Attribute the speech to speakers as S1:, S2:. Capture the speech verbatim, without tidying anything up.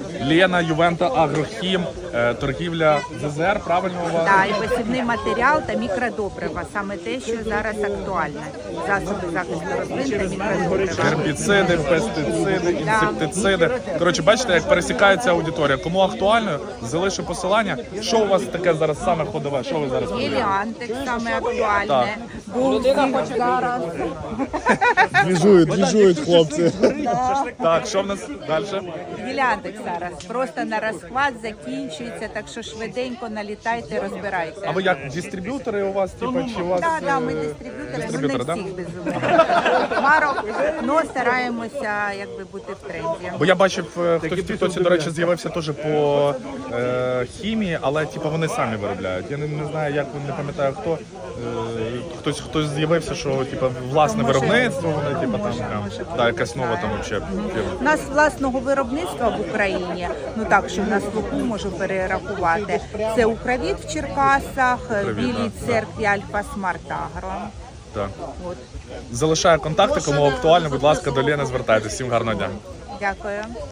S1: Лена, Ювента, Агрохім, е, торгівля ЗЗР, правильно у вас?
S2: Так, і посівний матеріал та мікродобрива. Саме те, що зараз актуальне. Засоби захисту рослин та мікродобрива.
S1: Гербіциди, пестициди, інсектициди. Коротше, бачите, як пересікається аудиторія. Кому актуально, залишу посилання. Що у вас таке зараз саме ходове? Що ви зараз продаєте?
S2: Геліантик саме актуальне.
S1: Так.
S2: Булки зараз.
S3: Двіжують, двіжують хлопці.
S1: Так, що в нас далі?
S2: Геліантик зараз. Просто на розклад закінчується, так що швиденько налітайте, розбирайте.
S1: А ви як, дистриб'ютори у вас, типу, чи у вас?
S2: Так, так, ми
S1: е,
S2: дистриб'ютори, ну
S1: дистриб'ютори,
S2: не
S1: да?
S2: всіх безумовно. Марок, але стараємося якби бути в тренді.
S1: Бо я бачив, е, хтось в Тіктоці, до речі, з'явився теж по е, хімії, але типу, вони самі виробляють. Я не, не знаю, як, не пам'ятаю хто. Е, хтось хтось з'явився, що типу, власне
S2: Може,
S1: виробництво, вони типу, там,
S2: може,
S1: прям,
S2: може бути,
S1: да, якась нова там
S2: так.
S1: взагалі фірма.
S2: У нас власного виробництва в Україні, ну так, що на слуху можу перерахувати, це Укрвіт в Черкасах, в Білій
S1: да,
S2: церкві Альфа Смарт Агро.
S1: Так.
S2: От.
S1: Залишаю контакти, кому актуально, будь ласка, до Лени звертайтеся. Всім гарного дня.
S2: Дякую.